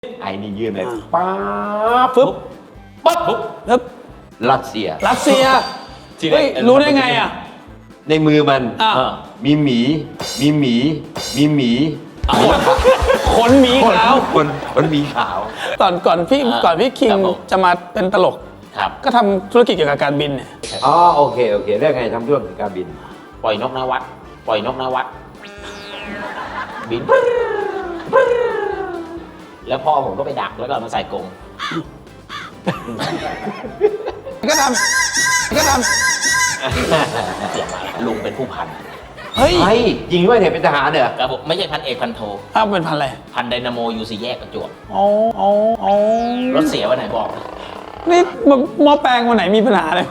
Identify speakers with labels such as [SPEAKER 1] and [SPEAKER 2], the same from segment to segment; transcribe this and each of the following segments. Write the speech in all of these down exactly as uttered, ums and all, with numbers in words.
[SPEAKER 1] ไอ้นี่ยื่นเลยป๊าบ
[SPEAKER 2] ฟึบ
[SPEAKER 1] ปั๊บปุ๊บ
[SPEAKER 2] ปึ๊บ
[SPEAKER 1] รัสเซีย
[SPEAKER 2] รัสเซียเฮ้ยรู้ได้ไงอ่ะ
[SPEAKER 1] ในมือมัน
[SPEAKER 2] อ่ะ
[SPEAKER 1] มีหมี มีหมี มีหมี
[SPEAKER 2] ขนหมีขาว
[SPEAKER 1] คนคนหมีขาว
[SPEAKER 2] ตอนก่อนพี่
[SPEAKER 3] อ่า
[SPEAKER 2] ก่อนพี่คิง
[SPEAKER 3] ครับผม
[SPEAKER 2] จะมาเป็นตลก
[SPEAKER 3] ครับ
[SPEAKER 2] ก็ทำธุรกิจเกี่ยวกับการบินเนี่ย
[SPEAKER 1] อ๋อโอเคโอเคเรื่องไงทำธุรกิจการบิน
[SPEAKER 3] ปล่อยนกนวัดปล่อยนกนวัดบิน แล้วพ่อผมก็ไปดักแล้วก็เอามาใส่กรง
[SPEAKER 2] ก็ทำก็ท
[SPEAKER 3] เสียมาลุงเป็นผู้พัน
[SPEAKER 2] ำเฮ้ย
[SPEAKER 1] ไอ้จริงด้วยเนี่ยเป็นทหารเหรอ
[SPEAKER 3] ครับผมไม่ใช่พันเอกพันโท
[SPEAKER 2] อ้าวเป็นพันอะไร
[SPEAKER 3] พันไดนาโมยูซีแยกประจวบ
[SPEAKER 2] อ๋ออ๋ออ๋อ
[SPEAKER 3] รถเสียวันไหนบอก
[SPEAKER 2] นี่หม้อแปลงวันไหนมีปัญหาเลย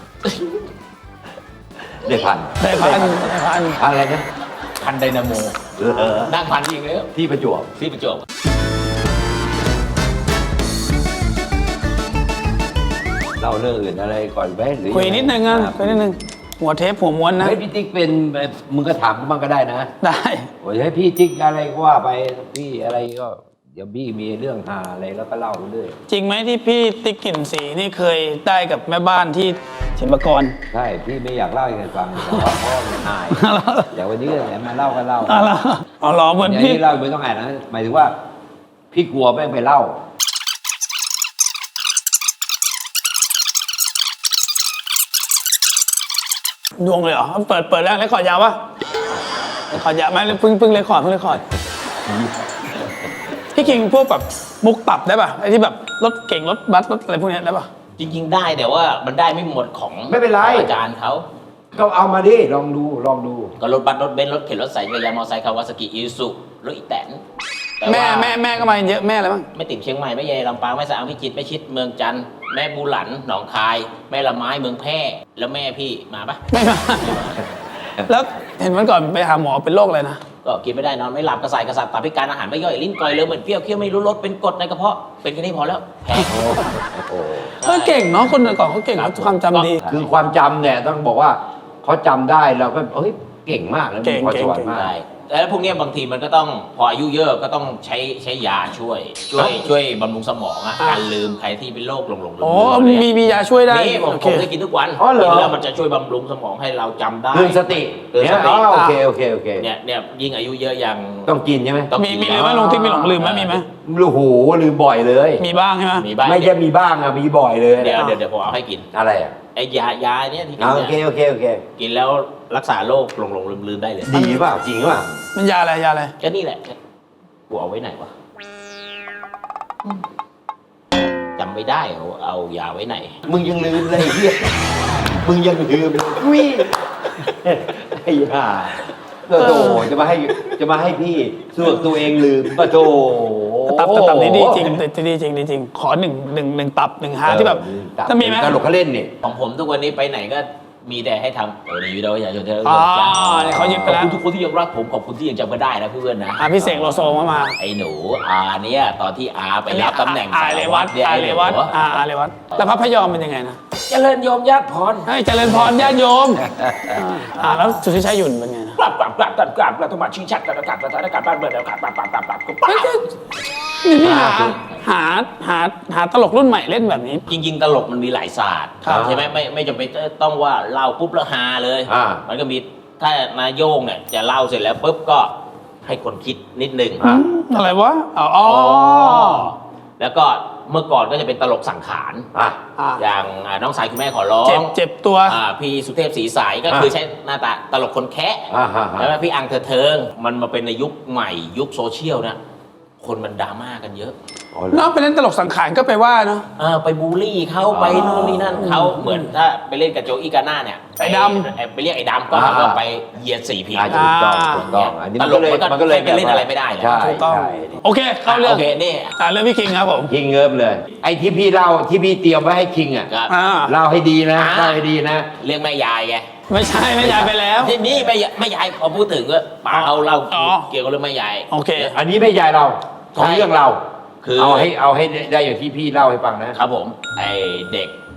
[SPEAKER 1] ได้พัน
[SPEAKER 2] ได้พันได้พัน
[SPEAKER 1] พันอะไรนะ
[SPEAKER 3] พันไดนาโม
[SPEAKER 1] เออ
[SPEAKER 3] นั่งพันจริงเลย
[SPEAKER 1] ที่ประจวบ
[SPEAKER 3] ที่ประจวบ
[SPEAKER 1] เล่าเรื่องอื่นอะไรก่อนไหมหรือ
[SPEAKER 2] คุยนิดนึงอ่ะคุยนิดนึงหัวเทปหัวม้วนนะ
[SPEAKER 1] ให้พี่ติ๊กเป็นมึงก็ถามบ้างก็ได้นะ
[SPEAKER 2] ได้
[SPEAKER 1] โอ้ยให้พี่ติ๊กอะไรก็ว่าไปพี่อะไรก็เดี๋ยวพี่มีเรื่องหาอะไรแล้วก็เล่าไปเรื่อย
[SPEAKER 2] จริงไหมที่พี่ติ๊กกลิ่นสีนี่เคยได้กับแม่บ้านที่ศิลปากร
[SPEAKER 1] ใช่พี่ไม่อยากเล่าให้ใครฟังแต่ว่าพ่อมันอายเดี๋ยววันนี้แหละมาเล่าก็เล่า
[SPEAKER 2] อ๋อเหรออ๋อเหรอเหมือน
[SPEAKER 1] อย่าง
[SPEAKER 2] พี่
[SPEAKER 1] นี้เล่าไม่ต้องอ่านนะหมายถึงว่า พี่กลัวแม่งไปเล่า
[SPEAKER 2] ดวงเลยเหรอเปิดเปิดแล้วเลคคอร์ดยาวปะเลคคอร์ดยาวไหมเพิ่งเพิ่งเลคคอร์ดเพิ่งเลคคอร์ดพี่คิงพวกแบบมุกตับได้ป่ะไอ้ที่แบบรถเก่งรถบัสรถอะไรพวกเนี้ยได้ป่ะ
[SPEAKER 3] จริง ๆ ได้แต่ว่ามันได้ไม่หมดของ
[SPEAKER 1] ไม่เป็นไร
[SPEAKER 3] ของอาจารย์เขา
[SPEAKER 1] ก็เอามาดิลองดูลองดู
[SPEAKER 3] ก็รถบัสรถเบนซ์รถเข็นรถใส่จักรยานมอเตอร์ไซค์คาวาซากิอิซุรถอีแตนต่
[SPEAKER 2] แม่
[SPEAKER 3] ว่า
[SPEAKER 2] แม่แม่ก็มาเยอะแม่อะไรบ้าง
[SPEAKER 3] แม่ติ๋มเชียงใหม่แม่ใหญ่ลำปางแม่สะอางพิจิตรแม่ชิดเมืองจันทร์แม่บูหลันหนองคาย แม่ละไม้เมืองแพร่แล้วแม่พี่มาปะ
[SPEAKER 2] ไม่มา แล้วเห็นวันก่อนไปหาหมอเป็นโรคอะไรนะ
[SPEAKER 3] ก็กินไม่ได้นอนไม่หลับกระสายกระสับตับพิการอาหารไม่ย่อยลิ้นก่อยเลยเหมือนเปรี้ยวเคี้ยวไม่รู้รสเป็นกรดในกระเพาะเป็นแค่นี้พอแล้วแพ้
[SPEAKER 1] โอ้โห
[SPEAKER 2] เออเก่งเนาะคนก่อนเขาเก่ง
[SPEAKER 3] ครับ
[SPEAKER 2] ความจำดี
[SPEAKER 1] คือความจำเนี่ยต้องบอกว่าเขาจำได้เราก็เฮ้ยเก่งมากแล้ว
[SPEAKER 2] เก่
[SPEAKER 1] มี
[SPEAKER 2] ง
[SPEAKER 1] พร
[SPEAKER 2] เก่
[SPEAKER 1] ส
[SPEAKER 2] ง
[SPEAKER 1] วรรค์มาก
[SPEAKER 3] ใช่แล้วพวกเนี้ยบางทีมันก็ต้องพออายุเยอะก็ต้องใช้ใช้ยาช่วย ช่วยช่วยบำรุงสมองอะการลืมใครที่เป็นโรคหลงหลงลืม
[SPEAKER 2] โอ้
[SPEAKER 3] ลื
[SPEAKER 2] มี
[SPEAKER 3] ม
[SPEAKER 2] มีมียาช่วยได้
[SPEAKER 3] นี่ผม
[SPEAKER 2] โอ
[SPEAKER 3] ผ
[SPEAKER 2] เค
[SPEAKER 3] มได้กินทุกวัน
[SPEAKER 1] อ๋อเหรอ
[SPEAKER 3] กินแล้วมันจะช่วยบำรุงสมองให้เราจำได้
[SPEAKER 1] เตือนสติ
[SPEAKER 3] เตือนสติ
[SPEAKER 1] อ๋อโอเคโอเคโอเค
[SPEAKER 3] เนี่ยเนี่ยยิ่งอายุเยอะยัง
[SPEAKER 1] ต้องกินใช่ไหม
[SPEAKER 3] ต้อง
[SPEAKER 2] มี
[SPEAKER 3] กิน
[SPEAKER 2] มี
[SPEAKER 3] แล้
[SPEAKER 2] ลื
[SPEAKER 3] ว
[SPEAKER 2] มไหมลงที่มีหลงลืมไหมมีไหม
[SPEAKER 1] โอ้โหลืมบ่อยเลย
[SPEAKER 2] มีบ้างใช่ไหม
[SPEAKER 3] มีบ้าง
[SPEAKER 1] ไม่ใช่มีบ้างอะมีบ่อยเลย
[SPEAKER 3] เดี๋ยวเดี๋ยวเดี๋ยวผมเอาให้กิน
[SPEAKER 1] อะไรอะ
[SPEAKER 3] ไอ้ยายาเนี่ยที่กิ
[SPEAKER 1] อ่าน โอ
[SPEAKER 3] เนี่ย
[SPEAKER 1] เคโอเคโอเค
[SPEAKER 3] กินแล้วรักษาโรคหลงหลงลืมลืมได้เลย
[SPEAKER 1] ดีเปล่าจริงเปล่า
[SPEAKER 2] มันยาอะไรยาอะไร
[SPEAKER 3] ก็นี่แหละกูเอาไว้ไหนวะจำไม่ได้เอาเอายาไว้ไหน
[SPEAKER 1] มึงยังลืมเลยไอ้เฮียมึงยังลืมเลยวิไอ้ห่าโอ้โหจะมาให้จะมาให้พี่ส่วนตัวเองลืมปะโถ
[SPEAKER 2] ตับแต่ตับนี้ดีจริงแต่ดีจริงดีจริงขอหนึ่งหนึ่งหนึ่งตับหนึ่งฮาร์ทที่แบบถ้ามีไหม
[SPEAKER 1] ตลกเขาเล่นนี่
[SPEAKER 3] ของผมทุกวันนี้ไปไหนก็มีแต่ให้ทำเออในวิดีโอประชาชนเธอ
[SPEAKER 2] อ๋อเนี่ยเขายึดไปแล้ว
[SPEAKER 3] ขอบคุณทุกคนที่ยังรักผมขอบคุณที่ยังจำกันได้นะเพื่อนนะ
[SPEAKER 2] อ่ะพี่เสกโลโซมามา
[SPEAKER 3] ไอ้หนูอาเนี่ยตอนที่อาไปรับตำแหน่ง
[SPEAKER 2] อาเรวัต
[SPEAKER 3] เนี่ย
[SPEAKER 2] อา
[SPEAKER 3] ไอ้
[SPEAKER 2] เร
[SPEAKER 3] หนู
[SPEAKER 2] วัตอาอาเรวัตแล้วพระพยอมเป็นยังไงนะ
[SPEAKER 3] เจริญโยมญาติพร
[SPEAKER 2] ให้เจริญพรญาติโยมอ่าแล้วสุทธิชัยหยุ่นเป็นไงนะ
[SPEAKER 3] กลับกลับกลับกลับกลับกลับต้องมาชี้ชัดกันกลับกลับกลับกลับบ้านเมืองแล้วกลับกลับกลับกลับกลับกลับ
[SPEAKER 2] นี่พี่หาหาหาหาตลกรุ่นใหม่เล่นแบบนี้
[SPEAKER 3] จริงๆตลกมันมีหลายศาสตร์
[SPEAKER 2] ครับ
[SPEAKER 3] ใช่ไหมไม่ไม่จำเป็นต้องว่าเล่าปุ๊บแล้วฮาเลย
[SPEAKER 1] อ่า
[SPEAKER 3] มันก็มีถ้านายโยงเนี่ยจะเล่าเสร็จแล้วปุ๊บก็ให้คนคิดนิดนึง
[SPEAKER 1] อ่า
[SPEAKER 2] อะไรวะอ๋ออ๋อ
[SPEAKER 3] แล้วก็เมื่อก่อนก็จะเป็นตลกสังขาร
[SPEAKER 1] อ่ะ
[SPEAKER 2] อ่า
[SPEAKER 3] อย่างอ่าน้องสายคุณแม่ขอร้อ
[SPEAKER 2] เจ็บ
[SPEAKER 3] ง
[SPEAKER 2] เจ็บตัว
[SPEAKER 3] อ่าพี่สุเทพศรีใสก็คือใช้หน้าตาตลกคนแคะ
[SPEAKER 1] อ่าฮะฮะ
[SPEAKER 3] แล้วพี่อังเธอเทิงมันมาเป็นในยุคใหม่ยุคโซเชียลนะคนมันดราม่ากันเยอะ
[SPEAKER 1] อ๋อเหรอ
[SPEAKER 2] น้องไปเล่นตลกสังขารก็ไปว่าเนาะ
[SPEAKER 3] เออไปบูลลี่เขาไปนู่นนี่นั่นเขาเหมือนถ้าไปเล่นกับโจอี้กาน่าเนี่ย
[SPEAKER 2] ไอ้ดำ
[SPEAKER 3] ไอ้ไปเรียกไอ้ดำก็หาว่าไปเหยียดสีผิว
[SPEAKER 1] อ่าถูกต้องถูกต้องอันนี้มันก็เลย
[SPEAKER 3] ตลกมันก็
[SPEAKER 1] มันก็เลย
[SPEAKER 3] ไปเล่นอะไรไม่ได้นะ
[SPEAKER 1] ใช่
[SPEAKER 2] ถูกต้อง
[SPEAKER 1] ใช่
[SPEAKER 2] โอเคเข้าเรื่อง
[SPEAKER 3] โอเคนี่
[SPEAKER 2] อ่าเรื่องพี่คิงครับผม
[SPEAKER 1] คิงเงิบเลย ไอ้ที่พี่เล่าที่พี่เตรียมไว้ให้คิงอ่ะ
[SPEAKER 3] ครับ
[SPEAKER 2] อ่า
[SPEAKER 1] เล่าให้ดีนะ
[SPEAKER 3] อ่า
[SPEAKER 1] เล่าให้ดีนะ
[SPEAKER 3] เรื่องแม่ยายไง
[SPEAKER 2] ไม่ใช่ไม่ยายไปแล้ว
[SPEAKER 3] ที่นี่แม่ยายแม่ยายพอพูดถึงก็ป๋าเอาเล่า
[SPEAKER 2] อ๋อ
[SPEAKER 3] เกี่ยวกับเรื่องแม่ยาย
[SPEAKER 2] โอเค
[SPEAKER 1] อันนี้ไม่ยายเราของ
[SPEAKER 3] ใช่
[SPEAKER 1] เรื่องเรา
[SPEAKER 3] คือ
[SPEAKER 1] เอาให้เอาให้ได้อย่างที่พี่เล่าให้ฟังนะ
[SPEAKER 3] ครับผมไอเด็ก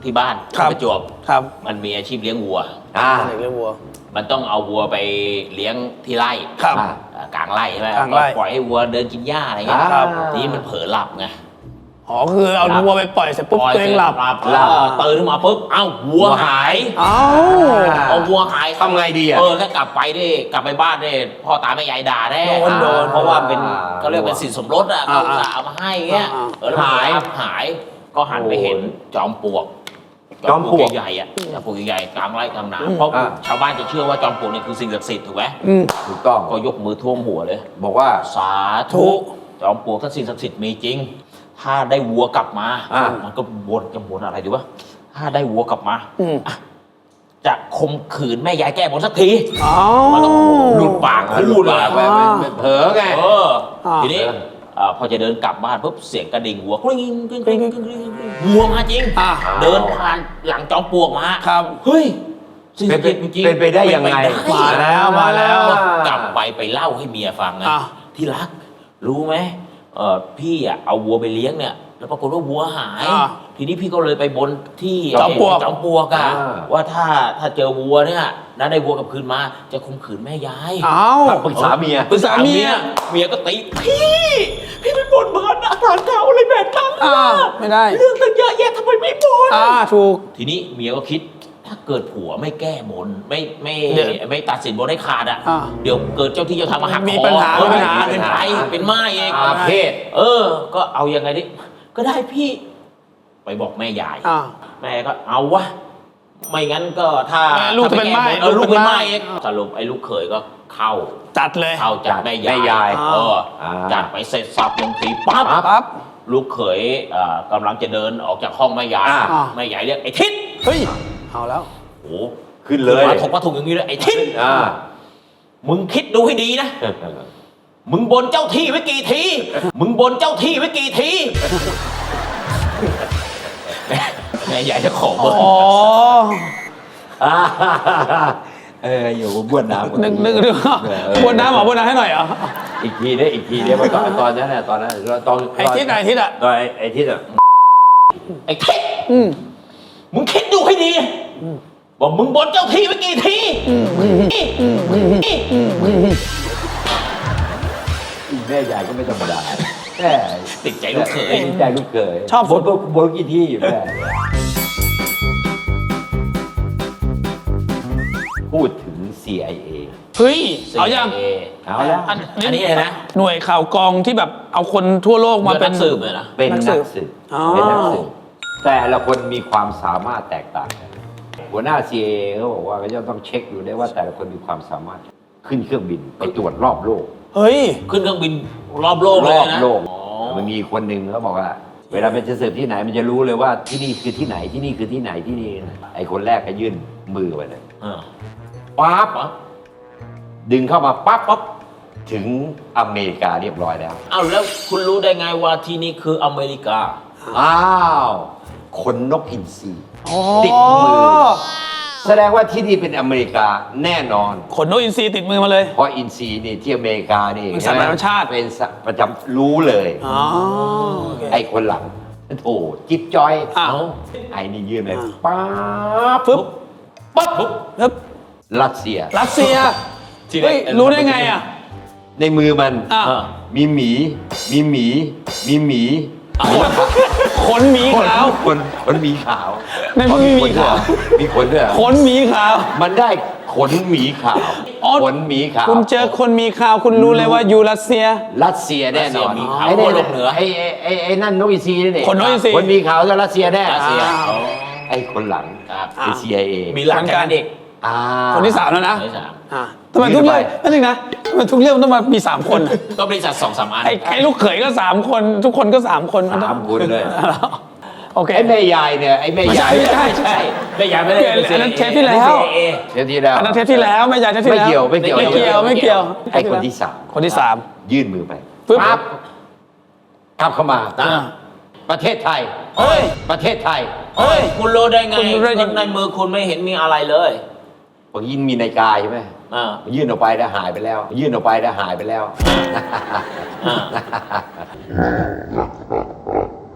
[SPEAKER 3] ที่บ้าน
[SPEAKER 2] ครับ
[SPEAKER 3] ประจวบ
[SPEAKER 2] ครับ
[SPEAKER 3] มันมีอาชีพเลี้ยงวัว
[SPEAKER 1] อ่า
[SPEAKER 2] เด็กเลี้ยงวัว
[SPEAKER 3] มันต้องเอาวัวไปเลี้ยงที่ไร่
[SPEAKER 2] ครับ
[SPEAKER 1] อ่า
[SPEAKER 3] อ่ากลางไร่ใช่ไหม
[SPEAKER 2] กลางไร่
[SPEAKER 3] ปล่อยให้วัวเดินกินหญ้าอะไรเงี้ย
[SPEAKER 1] ครับ
[SPEAKER 3] ทีนี้มันเผลอหลับไง
[SPEAKER 2] อ๋อคือเอาวัวไปปล่อยเสร็จปุ๊บตัวเองหลับ
[SPEAKER 3] หลับแล้วตื่นขึ้นมาปุ๊บเอ้าวัวหาย
[SPEAKER 2] เอ้า
[SPEAKER 3] เอาวัวหาย
[SPEAKER 1] ทำไงดีอ่ะ
[SPEAKER 3] เออถ้ากลับไปดิกลับไปบ้านดิพ่อตาแม่ยายด่าแน่
[SPEAKER 2] โดนโดน
[SPEAKER 3] เพราะว่าเป็น
[SPEAKER 1] อ่า
[SPEAKER 3] เขาเรียกเป็นสินสมรสอ่ะ
[SPEAKER 2] อ่า
[SPEAKER 3] เขาอุตส่าห์เอามาให้เงี้ย
[SPEAKER 2] อ่า
[SPEAKER 3] เออแล้วหายหายก็หันไปเห็นจอมปลวก
[SPEAKER 1] จอมปลวก
[SPEAKER 3] ใหญ่ๆอ่ะจอมปลวกใหญ่ๆกลางไร่กลางนาเพราะ
[SPEAKER 1] อ่า
[SPEAKER 3] ชาวบ้านจะเชื่อว่าจอมปลวกเนี่ยคือสิ่งศักดิ์สิทธิ์ถูกไหม
[SPEAKER 2] อืม
[SPEAKER 1] ถูกต้อง
[SPEAKER 3] ก็ยกมือท่วมหัวเลย
[SPEAKER 1] บอกว่า
[SPEAKER 3] สาธุจอมปลวกถ้าสิ่งศักดิ์สิทธิ์มีจริง ถ้าได้วัวกลับมา
[SPEAKER 1] อ่า
[SPEAKER 3] มันก็บนจะบนอะไรดีวะถ้าได้วัวกลับมา
[SPEAKER 2] อืม
[SPEAKER 3] จะข่มขืนแม่ยายแก้บนสักที
[SPEAKER 2] เอ้า
[SPEAKER 3] มันต้องหลุดปากพูดเลย
[SPEAKER 1] ไปไปเผลอไง
[SPEAKER 3] เออ
[SPEAKER 2] อ่า
[SPEAKER 3] ทีนี้อ่าพอจะเดินกลับบ้านปุ๊บเสียงกระดิ่งวัวกริ๊งกริ๊งกริ๊งกริ๊งกริ๊งกริ๊งวัวมาจริง
[SPEAKER 2] อ่า
[SPEAKER 3] เดินผ่านหลังจอมปลวกมา
[SPEAKER 2] ครับ
[SPEAKER 3] เฮ้ยสิ่งศักดิ์สิทธิ์จริงๆ
[SPEAKER 1] เป็นไปได้ยังไง
[SPEAKER 3] เป็นป
[SPEAKER 2] มาแล้วมาแล้ว
[SPEAKER 3] กลับไปไปเล่าให้เมียฟังนะ
[SPEAKER 2] อ่า
[SPEAKER 3] ที่รักรู้ไหมเออพี่อ่ะเอาวัวไปเลี้ยงเนี่ยแล้วปรากฏว่าวัวหาย
[SPEAKER 2] อ่า
[SPEAKER 3] ทีนี้พี่ก็เลยไปบนที่
[SPEAKER 2] จอมปลวก
[SPEAKER 3] จอมปลวกอะ
[SPEAKER 1] อ่า
[SPEAKER 3] ว่าถ้าถ้าเจอวัวเนี่ยนะได้วัวกลับคืนมาจะข่มขืนแม่ยาย
[SPEAKER 2] เอ้า
[SPEAKER 1] ปรึกษาเมีย
[SPEAKER 3] ปรึกษาเมียเมียก็ตีพี่พี่ไม่บ่นบ้านอาหารเก่าอะไรแบบนั้น
[SPEAKER 2] อ่าไม่ได้
[SPEAKER 3] เรื่องตั้งเยอะแยะทำไมไม่บ่น
[SPEAKER 2] อ่าถูก
[SPEAKER 3] ทีนี้เมียก็คิดถ้าเกิดผัวไม่แก้บนไม่ไม่
[SPEAKER 2] เดี๋ยว
[SPEAKER 3] ไม่ตัดสินบนให้ขาดอ่ะ
[SPEAKER 2] อ่า
[SPEAKER 3] เดี๋ยวเกิดเจ้าที่เจ้าทางมาหัก
[SPEAKER 2] มี
[SPEAKER 3] คอ
[SPEAKER 2] ปัญหา
[SPEAKER 3] เออ
[SPEAKER 2] มีปัญหา
[SPEAKER 3] เป็นไฟเป็นไม้เอง
[SPEAKER 1] อาเพศ
[SPEAKER 3] เออ ก็เอายังไงดิก็ได้พี่ ไปบอกแม่ยาย
[SPEAKER 2] อ่า
[SPEAKER 3] แม่ก็เอาวะไม่งั้นก็ถ้า
[SPEAKER 2] แม่ลูกจะเป็นไม้
[SPEAKER 3] เออลูกเป็นไม้
[SPEAKER 2] ลูกเป็นไม้
[SPEAKER 3] เองสรุปไอ้ลูกเขยก็เข้า
[SPEAKER 2] จัดเลย
[SPEAKER 3] เข้าจัดแม่
[SPEAKER 1] แม่
[SPEAKER 3] ยาย
[SPEAKER 1] ยาย
[SPEAKER 3] เออ
[SPEAKER 1] อ่า
[SPEAKER 3] จัดไปเสร็จสับลงทีปั๊บ
[SPEAKER 2] ปั๊บ
[SPEAKER 3] ลูกเขยเอ่อกำลังจะเดินออกจากห้องแม่ยาย
[SPEAKER 1] อ่า
[SPEAKER 3] แม่ยายเรียกไอ้ทิศ
[SPEAKER 2] เฮ้ยเอาแล้ว
[SPEAKER 3] โอ้
[SPEAKER 1] ขึ้นเลย
[SPEAKER 3] มาถกมาถูกอย่างนี้เลยไอ้ทิศ
[SPEAKER 1] อ่า
[SPEAKER 3] มึงคิดดูให้ดีนะ มึงบนเจ้าที่ไว้กี่ที มึงบนเจ้าที่ไว้กี่ที แม่ยายจะขอเบอร์
[SPEAKER 2] อ๋อ
[SPEAKER 1] อ่าเอออยู่บ้วนน้ำ
[SPEAKER 2] นึกนึกนึก
[SPEAKER 1] เออ
[SPEAKER 2] บวนน้ำเหรอบวนน้ำให้หน่อยเหรอ
[SPEAKER 1] อีกทีได้อีกทีได้ตอนตอนนั้นน่ะตอนนั้นตอน
[SPEAKER 2] ไอ้ทิศไหนทิศอ่ะ
[SPEAKER 1] ตอนไอ้ไอ้ทิศอ่ะ
[SPEAKER 3] ไอ้ทิศ
[SPEAKER 2] อืม
[SPEAKER 3] มึงคิดดูให้ดีว่ามึงบนเจ้าที่ไว้กี่ที
[SPEAKER 1] แม่ยายก็ไม่ธรรมดาแม่
[SPEAKER 3] ติดใจลูกเขย
[SPEAKER 1] ติดใจลูกเขย
[SPEAKER 2] ชอบ
[SPEAKER 1] บนบนบนกี่ที่อยู่แม่พูดถึง ซี ไอ เอ
[SPEAKER 2] เฮ้ยเอายัง
[SPEAKER 3] ซี ไอ เอ
[SPEAKER 1] เอาแล้ว
[SPEAKER 2] อัน
[SPEAKER 3] อันนี้เลยนะ
[SPEAKER 2] หน่วยข่าวกรองที่แบบเอาคนทั่วโลกมา
[SPEAKER 3] มา
[SPEAKER 2] เป็
[SPEAKER 3] เป็น นสืบเลยนะ
[SPEAKER 1] เป็น
[SPEAKER 2] นั
[SPEAKER 1] นั
[SPEAKER 2] ก
[SPEAKER 1] ก
[SPEAKER 2] สื
[SPEAKER 1] สื
[SPEAKER 2] บบ
[SPEAKER 1] เป็น
[SPEAKER 2] อ๋อ
[SPEAKER 1] นักสืบแต่ละคนมีความสามารถแตกต่างกันหัวหน้า ซี ไอ เอ เขาบอกว่าก็จะต้องเช็คดูได้ว่าแต่ละคนมีความสามารถขึ้นเครื่องบินไปตรวจรอบโลก
[SPEAKER 2] เฮ้ย
[SPEAKER 3] ขึ้นเครื่องบินรอบโลก
[SPEAKER 1] ร
[SPEAKER 3] เลย
[SPEAKER 1] อบ
[SPEAKER 3] นะ
[SPEAKER 1] โลก
[SPEAKER 3] อ๋อ
[SPEAKER 1] มันมีคนหนึ่งเขาบอกว่า เวลามันจะสืบที่ไหนมันจะรู้เลยว่าที่นี่คือที่ไหนที่นี่คือที่ไหนที่นี่ไอ้คนแรกก็ยื่นมือไปเลย
[SPEAKER 3] เออ
[SPEAKER 1] ปั๊บ
[SPEAKER 3] ปั๊บ
[SPEAKER 1] ดึงเข้ามาปั๊บปั๊บถึงอเมริกาเรียบร้อยแล้ว
[SPEAKER 3] เอาแล้วคุณรู้ได้ไงว่าที่นี่คืออเมริกา
[SPEAKER 1] อ้าวขนนกอินทรี
[SPEAKER 2] อ๋อ
[SPEAKER 1] ติดมือ แสดงว่าที่นี่เป็นอเมริกาแน่นอน
[SPEAKER 2] ขนนกอินทรีติดมือมาเลย
[SPEAKER 1] เพราะอินทรีนี่ที่อเมริกานี่
[SPEAKER 2] เป็นสัตว์ประจำชาติ
[SPEAKER 1] เป็นสัตว์ประจำรู้เลย
[SPEAKER 2] อ๋อโอเค
[SPEAKER 1] ไอ้คนหลังโถจิ๊บจอย
[SPEAKER 2] อ้าว
[SPEAKER 1] ไอ้นี่ยื่นไป
[SPEAKER 2] อ่า
[SPEAKER 1] ปั๊บ
[SPEAKER 2] ปึ๊บ
[SPEAKER 3] ปั๊บปุ๊บ
[SPEAKER 2] ปึ๊บ
[SPEAKER 1] รัสเซีย
[SPEAKER 2] รัสเซีย
[SPEAKER 3] ที่ไหน
[SPEAKER 2] เฮ้ยรู้ได้ไงอ่ะ
[SPEAKER 1] ในมือมัน
[SPEAKER 2] อ่ะ
[SPEAKER 3] เออ
[SPEAKER 1] มีหมี มีหมี มีหมี
[SPEAKER 2] ขนหมีขาว
[SPEAKER 1] คนคนหมีขาว
[SPEAKER 2] ในมือมีหมีขาว
[SPEAKER 1] มีขนด้วยเหรอ
[SPEAKER 2] ขนหมีขาว
[SPEAKER 1] มันได้ขนหมีขาว
[SPEAKER 2] อ๋อ
[SPEAKER 1] ขนหมีขาว
[SPEAKER 2] คุณเจอคนมีข่าวคุณรู้เลยว่าอยู่รัสเซีย
[SPEAKER 1] รัสเซียแน่นอน
[SPEAKER 3] รัสเซียหมีขาว
[SPEAKER 1] ไอ้
[SPEAKER 3] ขั้วโลกเหนือ
[SPEAKER 1] ไอ้ไอ้ไอ้ไอ้นั่นนกอินทรีนี่
[SPEAKER 2] ขนนกอินทรี
[SPEAKER 1] คนหมีขาวจะรัสเซียแน่
[SPEAKER 3] รัสเซีย
[SPEAKER 2] อ่า
[SPEAKER 3] อ๋อ
[SPEAKER 1] ไอ้คนหลัง
[SPEAKER 3] ครับ
[SPEAKER 1] ไอ้ ซี ไอ เอ
[SPEAKER 3] มีหลังจากนั้นเด็ก
[SPEAKER 1] อ่า
[SPEAKER 2] คนที่สามแล้วนะ
[SPEAKER 3] คนที่สาม
[SPEAKER 2] อ่ะทำไมทุกเรื่องนั่นเองนะทำไมทุกเรื่องมันต้องมามีสามคนอ่ะ
[SPEAKER 3] ก็บริษัทสองสามอัน
[SPEAKER 2] ไอ้ไอ้ลูกเขยก็สามคน ทุกคนก็สามคน
[SPEAKER 1] สามคนเลย
[SPEAKER 2] โอเค
[SPEAKER 1] ไอ้แม่ยายเนี่ยไอ้แม่
[SPEAKER 2] ไม่
[SPEAKER 1] ยา
[SPEAKER 2] ใช่
[SPEAKER 1] ย
[SPEAKER 2] ไม่ใช่
[SPEAKER 3] ใช่ไม่อยากไม่ได้
[SPEAKER 2] เปลี่ยนอันนั้นเทปที่แล้ว
[SPEAKER 3] เอ
[SPEAKER 1] เดี๋ยวทีแล้ว
[SPEAKER 2] อันนั้นเทปที่แล้วไม่ใช่เทปที่
[SPEAKER 1] ไม่
[SPEAKER 2] แล้ว
[SPEAKER 1] เกี่ยวไม่เกี่ยว
[SPEAKER 2] ไม่เกี่ยวไม่เกี่ยว
[SPEAKER 1] ไอ้คนที่สาม
[SPEAKER 2] คนที่สาม
[SPEAKER 1] ยื่นมือไป
[SPEAKER 2] ปึ๊บ
[SPEAKER 1] ปั๊บกลับเข้ามา
[SPEAKER 3] อ่า
[SPEAKER 1] ประเทศไทย
[SPEAKER 3] เฮ้ย
[SPEAKER 1] ประเทศไทย
[SPEAKER 3] เฮ้ย คุณรู้ได้ไง
[SPEAKER 2] คุณรู้ได้ยังไง
[SPEAKER 3] ในมือคุณไม่เห็นมีอะไรเลย
[SPEAKER 1] ผมยินมีนาฬิกาใช่ไหม
[SPEAKER 3] อ่า
[SPEAKER 1] ยื่นออกไปแล้วหายไปแล้ว ยื่นออกไปแล้วหายไปแล้ว
[SPEAKER 3] อ่า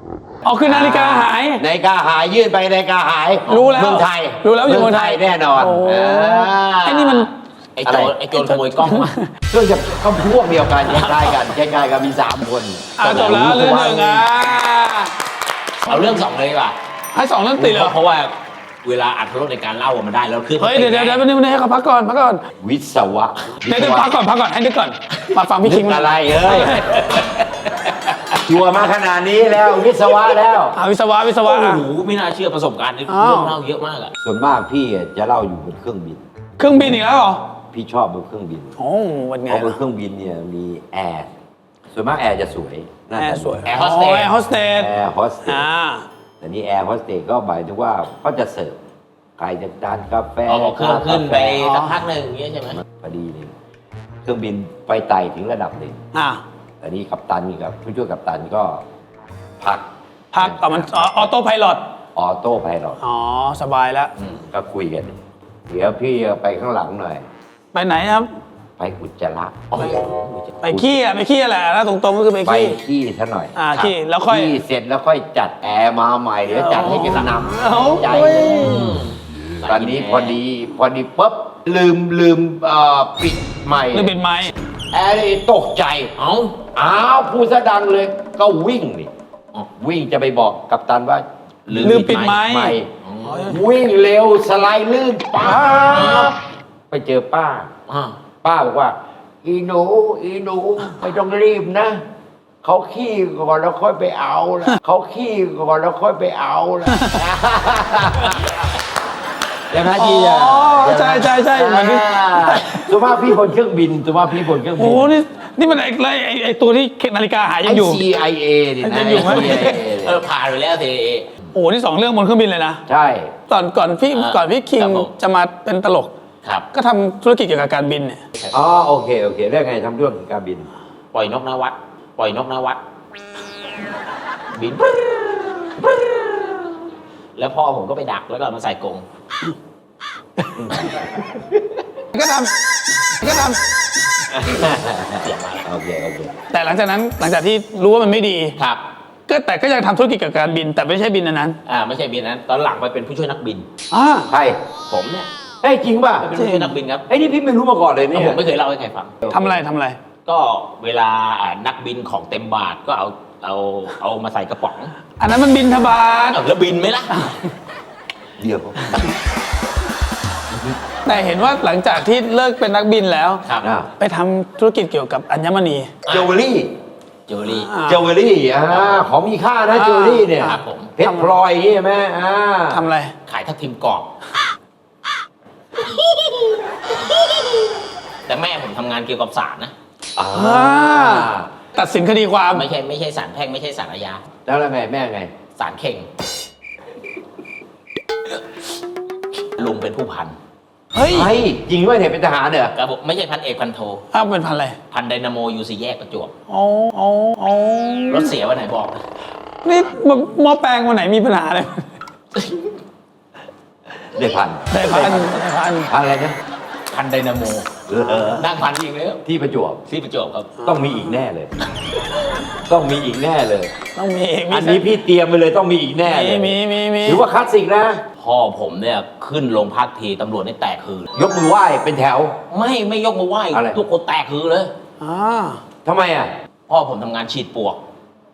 [SPEAKER 2] อ๋อคือนาฬิกาหาย
[SPEAKER 1] นาฬิกาหายยื่นไปนาฬิกาหาย
[SPEAKER 2] รู้แล้ว
[SPEAKER 1] เมืองไทย
[SPEAKER 2] รู้แล้วอยู่เมืองไทย
[SPEAKER 1] แน่นอน
[SPEAKER 2] โอ้
[SPEAKER 1] อ่า
[SPEAKER 2] ไอ้นี่มัน
[SPEAKER 3] ไอ้โจร
[SPEAKER 1] อะไร
[SPEAKER 3] ไอ้โจรขโมยกล้องมา
[SPEAKER 1] ก็จะก็พวกเดียวกันคล้ายๆกันคล้ายๆกันมีสามคน
[SPEAKER 2] อ่าจบแล้วเรื่องหนึ่งอ่ะ
[SPEAKER 3] เอาเรื่องสองเลยดีกว่า
[SPEAKER 2] ให้สองเรื่องติดเลยเหรอ
[SPEAKER 3] เพราะว่าเวลาอัดรถในการเล่ามันได้แล้วขึ้น
[SPEAKER 2] เฮ้ยเดี๋ยวเดี๋ยวเดี๋ยววันนี้ให้เขาพักก่อนพักก่อน
[SPEAKER 1] วิศวะ
[SPEAKER 2] เดี๋ยวเดี๋ยวพักก่อนพักก่อนให้นึกก่อนมาฟังพี่คิง
[SPEAKER 1] นึก
[SPEAKER 2] มา
[SPEAKER 1] อะไรเอ้ยชัวร์มาขนาดนี้แล้ววิศวะแล้ว
[SPEAKER 2] อ่าวิศวะวิศวะ
[SPEAKER 3] โอ้
[SPEAKER 2] อ่ะ
[SPEAKER 3] โหไม่น่าเชื่อประสบการณ์นี่
[SPEAKER 2] อ้าว
[SPEAKER 3] เรื่องเล่าเยอะมากอะ
[SPEAKER 1] ส่วนมากพี่จะเล่าอยู่บนเครื่องบิน
[SPEAKER 2] เครื่องบินอีกแล้วเหรอ
[SPEAKER 1] พี่ชอบบนเครื่องบิน
[SPEAKER 2] โอ้วันไง
[SPEAKER 1] เพราะบนเครื่องบินเนี่ยมีแอร์ส่วนมากแอร์จะสวยหน้า
[SPEAKER 2] แอ
[SPEAKER 1] ตา
[SPEAKER 2] ร์สวย
[SPEAKER 3] แอร์โฮสเตส
[SPEAKER 2] แอร์โฮสเตส
[SPEAKER 1] แอร์โฮสเตส
[SPEAKER 2] อ่า
[SPEAKER 1] แต่นี่แอร์โฮสเตสก็หมายถึงว่าเขาจะเสิร์ฟใครจะทานกาแฟ
[SPEAKER 3] เอาบอกเครื่องขึ้นไป
[SPEAKER 2] อ๋อ
[SPEAKER 3] สักพักหนึ่งอย่างเงี้ยใช่ไหม
[SPEAKER 1] พอดีเลยเครื่องบินไปไต่ถึงระดับหนึ่ง
[SPEAKER 2] อ่า
[SPEAKER 1] อันนี้กัปตันกับผู้ช่วยกัปตันก็พัก
[SPEAKER 2] พักเอามันออโต้ไพลอต
[SPEAKER 1] ออโต้ไพลอต
[SPEAKER 2] อ๋อสบายแล้ว
[SPEAKER 1] ก็คุยกัน เดี๋ยวพี่ไปข้างหลังหน่อย
[SPEAKER 2] ไปไหนครับ
[SPEAKER 1] ไปอุจจาระ
[SPEAKER 2] ไปขี้อ่ะไปขี้แหละแล้วตรงๆก็คือไป
[SPEAKER 1] ไป
[SPEAKER 2] ขี้
[SPEAKER 1] ขี้ซะหน่อย
[SPEAKER 2] อ่าขี้แล้วค่อย
[SPEAKER 1] ขี้เสร็จแล้วค่อยจัดแอร์มาใหม่เดี๋ยวจัดให้กันนำ
[SPEAKER 2] เอา
[SPEAKER 1] ใจ
[SPEAKER 2] เว้ย
[SPEAKER 1] ตอนนี้พอดีพอดีปุ๊บลืมลืมเอ่อปิดใหม่
[SPEAKER 2] เรื่องเป็นไม้
[SPEAKER 1] แอร์นี่ตกใจ
[SPEAKER 3] เอ้า
[SPEAKER 1] อ้าวพูดซะดังเลยก็วิ่งนี่วิ่งจะไปบอกกัปตันว่า
[SPEAKER 2] ลืมปิดไม้
[SPEAKER 1] ไม่วิ่งเร็วสไลด์ลื่นป้าบไปเจอป้า
[SPEAKER 3] อ่า
[SPEAKER 1] ป้าบอกว่า อีหนูอีหนูไม่ต้องรีบนะเขาขี้ก่อนแล้วค่อยไปเอาละเขาขี้ก่อนแล้วค่อยไปเอาละใช่ไหม
[SPEAKER 2] อ๋
[SPEAKER 1] ที่จะ
[SPEAKER 2] อใช่ใช่ใช่เหมือนที่
[SPEAKER 1] สุภาพพี่บนเครื่องบินสุภาพพี่บนเครื่องบิ
[SPEAKER 2] โอ้
[SPEAKER 1] น
[SPEAKER 2] โหนี่นี่มันไอ้ไอ้ไอ้ไอ้ตัวที่นาฬิกาหายยัง
[SPEAKER 1] ไอ้
[SPEAKER 2] อยู่
[SPEAKER 1] ซี ไอ เอนี่นะ
[SPEAKER 2] ยังอยู่ไหม
[SPEAKER 1] ไอ้ ซี ไอ เอ
[SPEAKER 3] เออผ่านไปแล้วที
[SPEAKER 2] โอ้โหนี่สองเรื่องบนเครื่องบินเลยนะ
[SPEAKER 1] ใช่
[SPEAKER 2] ก่อนก่อนพี่
[SPEAKER 3] อ่า
[SPEAKER 2] ก่อนพี่คิง
[SPEAKER 3] ครับผม
[SPEAKER 2] จะมาเป็นตลก
[SPEAKER 3] ครับ
[SPEAKER 2] ก็ทำธุรกิจเกี่ยวกับการบินเนี่ย
[SPEAKER 1] อ๋อโอเคโอเคได้ไงทำเรื่องการบิน
[SPEAKER 3] ปล่อยนกนวัด ปล่อยนกนวัด บิน แล้วพ่อผมก็ไปดักแล้วก็เอามาใส่กรง
[SPEAKER 2] ก็ทำก็ท
[SPEAKER 1] โอเคโอเค
[SPEAKER 2] ำแต่หลังจากนั้นหลังจากที่รู้ว่ามันไม่ดี
[SPEAKER 3] ครับ
[SPEAKER 2] ก็แต่ก็ยังทำธุรกิจเกี่ยวกับการบิน แต่ไม่ใช่บินอันนั้น
[SPEAKER 3] อ่าไม่ใช่บินนั้น ตอนหลังไปเป็นผู้ช่วยนักบิน
[SPEAKER 2] อ่า
[SPEAKER 1] ใคร
[SPEAKER 3] ผมเนี่ย
[SPEAKER 1] เฮ้ยจริงป่ะ
[SPEAKER 3] ไปเป็นผู้ช่วยนักบินครับ
[SPEAKER 1] ไอ้นี่พี่ไม่รู้มาก่อนเลยเนี่ย
[SPEAKER 3] ผมไม่เคยเล่าให้ใครฟัง
[SPEAKER 2] ทำอะไรทำอะไร
[SPEAKER 3] ก็เวลาอ่านักบินของเต็มบาทก็เอาเอาเอามาใส่กระป๋อง
[SPEAKER 2] อันนั้นมันบินทบาท
[SPEAKER 3] เอาแล้วบินไหมล่ะ
[SPEAKER 1] เดี๋ยว
[SPEAKER 2] แต่เห็นว่าหลังจากที่เลิกเป็นนักบินแล้ว
[SPEAKER 3] ครับ
[SPEAKER 1] อ่า
[SPEAKER 2] ไปทำธุรกิจเกี่ยวกับอัญมณี
[SPEAKER 1] เจวเวลรี่
[SPEAKER 3] เจอรี่
[SPEAKER 2] อ่า
[SPEAKER 1] เจวเวลรี่อ่าของมีค่านะ
[SPEAKER 2] อ่า
[SPEAKER 1] เจวเวลรี่เนี่ย
[SPEAKER 3] ครับผม
[SPEAKER 1] เพชรพลอยอย่างงี้ใช่ไหมอ่า
[SPEAKER 2] ทำอะไร
[SPEAKER 3] ขายทับทิมกรอบ แต่แม่ผมทำงานเกี่ยวกับศาลนะ
[SPEAKER 1] อ่า
[SPEAKER 2] อ่า ตัดสินคดีความ
[SPEAKER 3] ไม่ใช่ไม่ใช่ศาลแพ่งไม่ใช่ศาลอาญา
[SPEAKER 1] แล้วแล้วไงแม่ไง
[SPEAKER 3] ศาลเข่ง ลุงเป็นผู้พัน
[SPEAKER 2] เฮ้ย
[SPEAKER 1] ไอ้จริงด้วยเนี่ยเป็นทหารเหรอ
[SPEAKER 3] ครับผมไม่ใช่พันเอกพันโท
[SPEAKER 2] อ้าวเป็นพันอะไร
[SPEAKER 3] พันไดนาโมยูซีแยกประจวบ
[SPEAKER 2] อ๋ออ๋ออ๋อ
[SPEAKER 3] รถเสียวันไหนบอกนะ
[SPEAKER 2] นี่หม้อแปลงวันไหนมีปัญหาอะไร
[SPEAKER 1] ได้พัน
[SPEAKER 2] ได้พันได้พัน
[SPEAKER 1] พันอะไรนะ
[SPEAKER 3] พันไดนาโม
[SPEAKER 1] เออ
[SPEAKER 3] นั่งพันจริงเลย
[SPEAKER 1] ที่ประจวบ
[SPEAKER 3] ที่ประจวบครับ
[SPEAKER 1] ต้องมีอีกแน่เลย ต้องมีอีกแน่เลย
[SPEAKER 2] ต้องมีมี
[SPEAKER 1] อันนี้พี่เตรียมไปเลยต้องมีอีกแน่เล
[SPEAKER 2] มี
[SPEAKER 1] ย
[SPEAKER 2] มีมีมี
[SPEAKER 1] ถือว่าคลาสสิกนะ
[SPEAKER 3] พ่อผมเนี่ยขึ้นโรงพักทีตำรวจนี่แตกคือ
[SPEAKER 1] ยกมือไหว้เป็นแถว
[SPEAKER 3] ไม่ไม่ยกมือไหว้
[SPEAKER 1] อะไร
[SPEAKER 3] ทุกคนแตกคือเลย
[SPEAKER 2] อ่า
[SPEAKER 1] ทำไมอ่ะ
[SPEAKER 3] พ่อผมทำงานฉีดปลวก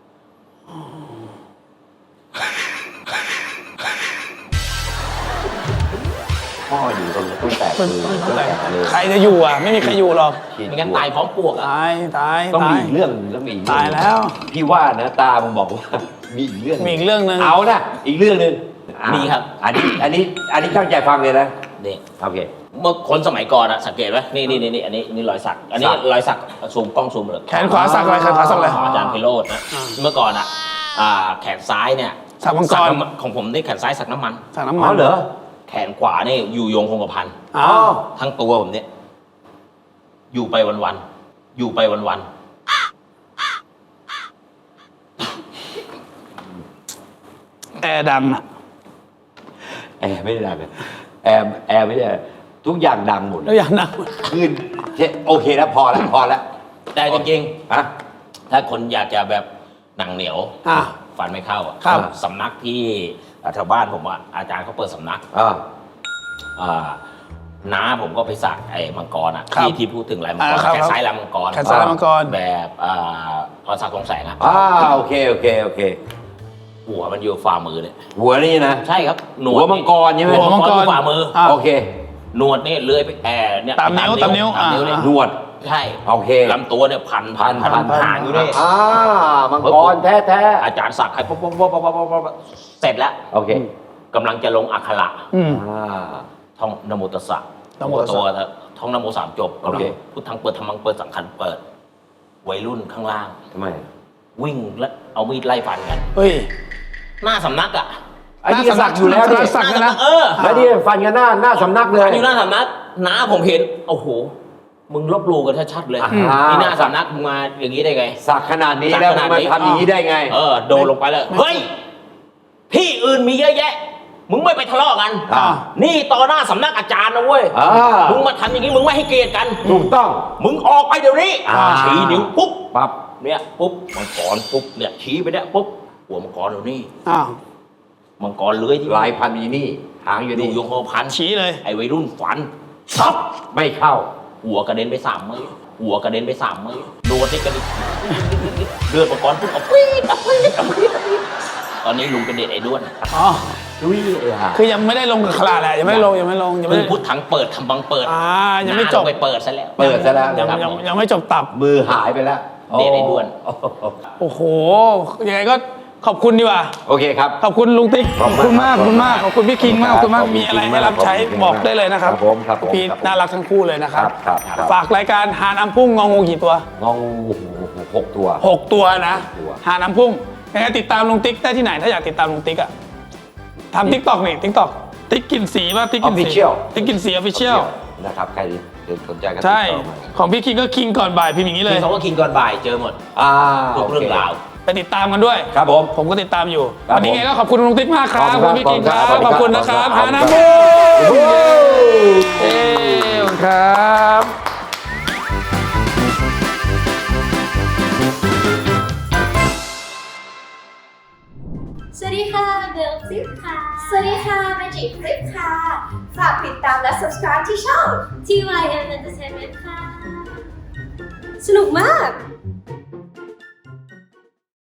[SPEAKER 1] พ่ออยู่ตรงต้นแตก
[SPEAKER 2] เป็น
[SPEAKER 1] คือ
[SPEAKER 2] ต้
[SPEAKER 1] ต้
[SPEAKER 2] น
[SPEAKER 1] น
[SPEAKER 2] แต่
[SPEAKER 1] แตกเลย
[SPEAKER 2] ใครจะอยู่อ่ะ ไม่มีใครอยู่หรอก
[SPEAKER 1] ฉีด
[SPEAKER 3] ไม่งั้นตายพร้อมปลวกอ่ะ
[SPEAKER 2] ตายตาย
[SPEAKER 1] ต้อง
[SPEAKER 2] ตา
[SPEAKER 1] มี
[SPEAKER 2] ย
[SPEAKER 1] อีกเรื่องหนึ่งต้องมีอีกเรื่อง
[SPEAKER 2] ตายแล้ว
[SPEAKER 1] พี่ว่านะตามึงบอกว่า มีอีกเรื่อง
[SPEAKER 2] มีอีกเรื่องหนึ่ง
[SPEAKER 1] เอานะอีกเรื่องหนึ่งอ่ะ
[SPEAKER 3] มีครับ
[SPEAKER 1] อันนี้อันนี้อันนี้ตั้งใจฟังเลยนะ
[SPEAKER 3] นี่
[SPEAKER 1] โอเค
[SPEAKER 3] เมื่อคนสมัยก่อนอะสังเกตไหมนี่นี่นี่นี่อันนี้นี่รอยสัก อันนี้
[SPEAKER 1] สัก
[SPEAKER 3] รอยสักซูมกล้องซูมเลย
[SPEAKER 2] แขนขวาสักอะไรแขนขวาสักอะไร
[SPEAKER 3] ของอาจารย์ไพโรจน์นะ
[SPEAKER 2] อ่า
[SPEAKER 3] เมื่อก่อนอะอ่าแขนซ้ายเนี่ย
[SPEAKER 2] สักมังกร
[SPEAKER 3] น้ำมันของผมนี่แขนซ้ายสักน้ำมัน
[SPEAKER 2] สักน้ำ
[SPEAKER 1] อ๋
[SPEAKER 2] มั
[SPEAKER 1] อน เหรอ
[SPEAKER 3] แขนขวานี่อยู่ยงคงกระพัน
[SPEAKER 2] อ๋อ
[SPEAKER 3] ทั้งตัวผมเนี่ยอยู่ไปวันๆอยู่ไปวัน
[SPEAKER 2] แอร์ดังอ่ะ
[SPEAKER 1] แอร์ไม่ได้ดังเลยแอร์แอร์ไม่ได้ทุกอย่างดังหมด
[SPEAKER 2] แล้วอย่างดัง
[SPEAKER 1] ขึ้นโอเคแล้วพอแล้วพอแล้ว
[SPEAKER 3] ๆแต่จริง
[SPEAKER 1] ฮะ
[SPEAKER 3] ๆถ้าคนอยากจะแบบหนังเหนียว
[SPEAKER 2] อ่ะ
[SPEAKER 3] ฟันไม่เข้าอะ
[SPEAKER 2] ครับ
[SPEAKER 3] สำนักที่แถวบ้านผมอะอาจารย์เขาเปิดสำนัก
[SPEAKER 1] อ่า
[SPEAKER 3] อ่าน้าผมก็ไปสักไอ้มังกรอะ
[SPEAKER 2] ครับ
[SPEAKER 3] ที่ที่พูดถึงลายมังกร
[SPEAKER 2] อ่าครับ
[SPEAKER 3] แขนซ้ายลายมังกร
[SPEAKER 2] แขนซ้ายลายมังกร
[SPEAKER 3] แบบอ่าพรศักดิ์ทองแสงอะ
[SPEAKER 1] อ่าโอเคโอเคโอเค
[SPEAKER 3] หัวมันอยู่ฝ่ามือเลย
[SPEAKER 1] หัวนี่นะ
[SPEAKER 3] ใช่ครับหนว
[SPEAKER 1] หั
[SPEAKER 3] ด
[SPEAKER 1] วมังกรใช่ไหม
[SPEAKER 3] หัวมังกรอยู่ฝ่ามือ
[SPEAKER 2] อ่า
[SPEAKER 1] โอเค
[SPEAKER 3] หนวดนี่เลื้อยไปแอบเนี่ย
[SPEAKER 2] ตามนิ้วตามนิ้ว
[SPEAKER 3] ตามนิ้ว
[SPEAKER 2] อ่า
[SPEAKER 3] เนี่ย
[SPEAKER 1] หนวด
[SPEAKER 3] ใช่
[SPEAKER 1] โอเค
[SPEAKER 3] ลำตัวเนี่ยพัน
[SPEAKER 1] พันพัน
[SPEAKER 3] หางอยู่นี่
[SPEAKER 1] อ่ามังกรแท้แท้
[SPEAKER 3] อาจารย์สักให้ปุ๊บปุ๊บปุ๊บปุ๊บปุ๊บปุ๊บเสร็จแล้ว
[SPEAKER 1] โอเค
[SPEAKER 3] กำลังจะลงอักขระ
[SPEAKER 2] อืม
[SPEAKER 1] อ่า
[SPEAKER 3] ท่องนโมตัสสะ
[SPEAKER 2] นะโมตัสสะ
[SPEAKER 3] ตัวท่องนโมสามจบ
[SPEAKER 1] โอเค
[SPEAKER 3] พุทธังเปิดธรรมังเปิดสังขันเปิด วัยรุ่นข้างล่าง
[SPEAKER 1] ทำไม
[SPEAKER 3] วิ่งและเอามีดไล่ฟันกัน
[SPEAKER 2] เฮ้ย
[SPEAKER 3] หน้าสำนักอ่ะ
[SPEAKER 1] ไอ้นี่ก็สักอยู่แล้ว
[SPEAKER 2] ห
[SPEAKER 1] นี่
[SPEAKER 2] น้าสัก
[SPEAKER 3] หน้า
[SPEAKER 2] นะ
[SPEAKER 3] สำนักเออ
[SPEAKER 1] แล้วนี่ฟันกันหน้าหน้าสำนักเลย
[SPEAKER 3] อยู่หน้าสำนักน้าผมเห็นโอ้โหมึงลบหลู่กันชัดๆเลย
[SPEAKER 1] อ่า
[SPEAKER 3] นี่หน้าสำนักมึงมาอย่างนี้ได้ไง
[SPEAKER 1] สักขนาดนี้
[SPEAKER 3] สัก
[SPEAKER 1] แล้ว
[SPEAKER 3] ขนาด
[SPEAKER 1] มา
[SPEAKER 3] นี้
[SPEAKER 1] ทำอย่างนี้ได้ไง
[SPEAKER 3] เออโดนลงไปเลยเฮ้ยที่อื่นมีเยอะแยะ มึงไม่ไปทะเลาะกัน
[SPEAKER 1] อ่า
[SPEAKER 3] นี่ต่อหน้าสำนักอาจารย์นะเว้ย
[SPEAKER 1] อ่า
[SPEAKER 3] มึงมาทำอย่างนี้มึงไม่ให้เกียรติกัน
[SPEAKER 1] ถูกต้อง
[SPEAKER 3] มึงออกไปเดี๋ยวนี้
[SPEAKER 1] อ่า
[SPEAKER 3] ชี้นิ้วปุ๊บ
[SPEAKER 1] ปั๊บ
[SPEAKER 3] เนี่ยปุ๊บมังกรปุ๊บเนี่ยชี้ไปเนี่ยปุ๊บหัวมังกรอยู่นี่
[SPEAKER 2] อ้าว
[SPEAKER 3] มังกรเลื้อยที่
[SPEAKER 1] ลายพันธุ์อยู่นี่หางอยู่
[SPEAKER 3] อยู่
[SPEAKER 1] นี่
[SPEAKER 3] ยงโฮพัน
[SPEAKER 2] ชี้เลย
[SPEAKER 3] ไอ้วัยรุ่นฝันซับ
[SPEAKER 1] ไม่เข้า
[SPEAKER 3] หัวกระเด็นไปสามมือหัวกระเด็นไปสามมือโดนที่กระเด็นเลือดมังกรปุ๊บเอาปี๊ดเอาปี๊ดเอาปี๊ดเอาปี๊ดตอนนี้ลุงเป็นเด็กไอ้ด้วน
[SPEAKER 2] อ๋อ
[SPEAKER 1] ดุยไอ้ห่า
[SPEAKER 2] คือยังไม่ได้ลงกับขลาดแหละยังไม่ได้ลงยังไม่ลงยังไม่
[SPEAKER 3] เพิ่ง
[SPEAKER 2] ได้
[SPEAKER 3] พุทธังเปิดทำบังเปิด
[SPEAKER 2] อ่ายังไม่จบ
[SPEAKER 3] น้าลไปเปิดซะแล้ว
[SPEAKER 1] เปิดซะแล้ว
[SPEAKER 2] ยัง
[SPEAKER 1] นะครับ
[SPEAKER 2] ยังยังไม่จบตับ
[SPEAKER 1] มือหายไปแล้ว
[SPEAKER 3] เดทไอ้ด้วน
[SPEAKER 1] โอ้โห
[SPEAKER 2] โอ้โหยังไงก็ขอบคุณดีกว่า
[SPEAKER 1] โอเคครับ
[SPEAKER 2] ขอบคุณลุงติ๊กขอบคุณมากขอบคุณมากขอบคุณพี่คิงมากขอบคุณมาก
[SPEAKER 1] ขอบคุณ
[SPEAKER 2] มีอะไร
[SPEAKER 1] จริงๆ
[SPEAKER 2] ให้รับใช้
[SPEAKER 1] ขอบคุณ
[SPEAKER 2] บอกได้เลยนะครับ
[SPEAKER 1] ครับผมครับผม
[SPEAKER 2] พี่
[SPEAKER 1] ครับผม
[SPEAKER 2] น่ารักทั้งคู่เลยนะครับ
[SPEAKER 1] ครับครับครับ
[SPEAKER 2] ฝากรายการหาน้ำพุ่งงองูกี่ตัว
[SPEAKER 1] งองหกตัว
[SPEAKER 2] หกตัวนะ
[SPEAKER 1] หกตัว
[SPEAKER 2] หาน้ำพุ่งยังไงติดตามลุงติ๊กได้ที่ไหนถ้าอยากติดตามลุงติ๊กอะทำทิกตอกนี่ทิกตอกติ๊กกินสีป่ะติ๊กกินสี
[SPEAKER 1] Official
[SPEAKER 2] ติ๊กกินสีออฟฟิเชียล
[SPEAKER 1] นะครับใครสนใจก็ติด
[SPEAKER 2] ใช่
[SPEAKER 1] ต่อมา
[SPEAKER 2] ของพี่คิงก็คิงก่อนบ่ายพิมพ์อย่างนี้เล
[SPEAKER 3] คือย คำว่าคิงก่อนบ่ายเจอหมด
[SPEAKER 1] อ่า
[SPEAKER 3] ทุกเรื่องราว
[SPEAKER 2] ไปติดตามกันด้วย
[SPEAKER 1] ครับผม
[SPEAKER 2] ผมก็ติดตามอยู่
[SPEAKER 1] ครับ
[SPEAKER 2] วันนี้ไงก็ขอบคุณลุงติ๊กมากครับ
[SPEAKER 1] ข
[SPEAKER 2] ข
[SPEAKER 1] อ
[SPEAKER 2] อ
[SPEAKER 1] บบ คุณ
[SPEAKER 2] คุณพี่คิงค
[SPEAKER 1] ครั
[SPEAKER 2] รับ
[SPEAKER 1] บ
[SPEAKER 2] ขอบคุณนะครับ
[SPEAKER 1] ขอบ
[SPEAKER 2] หา
[SPEAKER 1] คุณ
[SPEAKER 2] น้ำ
[SPEAKER 1] ครับ
[SPEAKER 2] พุ่ง
[SPEAKER 1] โอ้โห
[SPEAKER 2] เอ้ขอบคุณครับ
[SPEAKER 4] สวัสดีค่ะเบลฟลิปค่ะ สวัสดีค่ะเมจิฟลิปค่ะ ฝากติดตามและ subscribe ที่ช่อง ที วาย เอ็ม Entertainment ค่ะ สนุกมาก